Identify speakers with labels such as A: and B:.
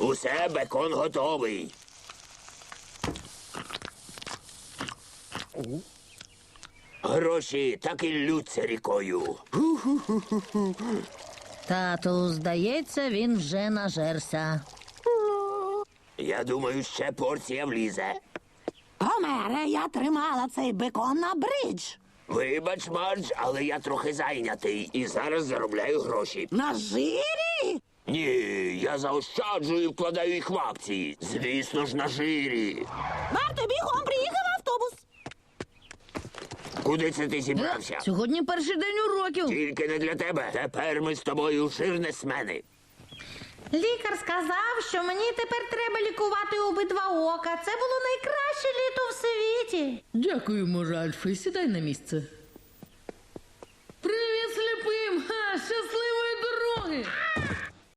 A: Усе, бекон готовий. Гроші так і ллються рікою.
B: Тату, здається, він вже нажерся.
A: Я думаю, ще порція влізе.
C: Гомере, я тримала цей бекон на бридж.
A: Вибач, Мардж, але я трохи зайнятий і зараз заробляю гроші.
C: На жирі?
A: Ні, я заощаджую і вкладаю їх в акції. Звісно ж, на жирі.
C: Марто, бігом, приїхав автобус.
A: Куди це ти зібрався?
B: Сьогодні перший день уроків.
A: Тільки не для тебе. Тепер ми з тобою жирнесмени.
B: Лікар сказав, що мені тепер треба лікувати обидва ока. Це було найкраще літо в світі.
D: Дякуємо, Ральфе. Сідай на місце. Привіт, сліпим! Ха, щасливої дороги!